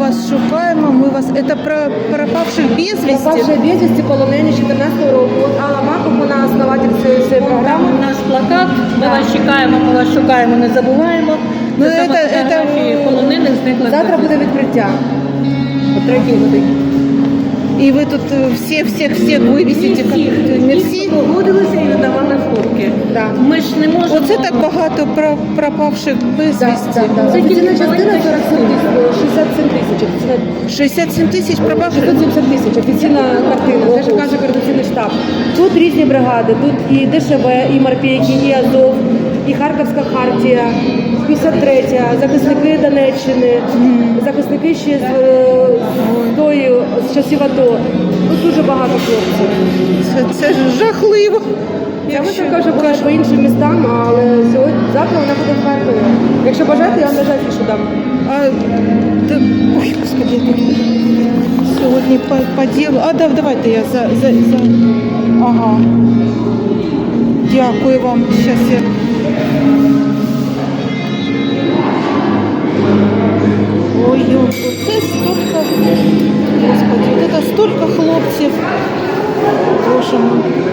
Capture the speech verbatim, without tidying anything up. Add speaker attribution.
Speaker 1: вас шукаємо, ми вас... Це про пропавших безвісти?
Speaker 2: Пропавшие безвісти, полонені чотирнадцятого року. От Алла Маков, вона основатель цієї цієї
Speaker 3: Там
Speaker 2: програми.
Speaker 3: у нас плакат, ми вас чекаємо, ми вас шукаємо, не забуваємо.
Speaker 1: Ну,
Speaker 3: Це саме
Speaker 1: це-
Speaker 3: фотографії
Speaker 1: це-
Speaker 3: полонених зниклих.
Speaker 2: Завтра буде відкриття. О третій годині.
Speaker 1: І ви тут е, всіх, всіх, всіх вивісите? Не всі?
Speaker 3: Погодилися і видавали фотки.
Speaker 2: Да.
Speaker 3: Ми ж не можемо...
Speaker 1: Оце так багато про пропавших безвісті.
Speaker 2: Так, так.
Speaker 3: Це
Speaker 2: Офіційна
Speaker 3: тільки
Speaker 2: частина
Speaker 3: маленька
Speaker 2: сорок сім тисяч, шістдесят сім тисяч. Офіційна
Speaker 1: шістдесят сім тисяч пропавших?
Speaker 2: шістсот сімдесят тисяч. Офіційна картина. Це ж каже координаційний штаб. Тут різні бригади. Тут і ДШВ, і Морпейки, і Азов, і Харківська хартія, п'ятдесят третя, захисники Донеччини, захисники ще з, е, з тої, з часів АТО. Тут дуже багато хлопців.
Speaker 1: Це, це ж жахливо.
Speaker 2: Я би також була по іншим містам, але сьогодні, завтра вона буде в Харкові. Якщо бажаєте, я вам навіть афішу дам.
Speaker 1: А, да, ой, господи, сьогодні по, по ділу. А, да, давайте я за, за, за... Ага. Дякую вам. Щас я... Ой, це столько, господи, це столько хлопців. Боже мой.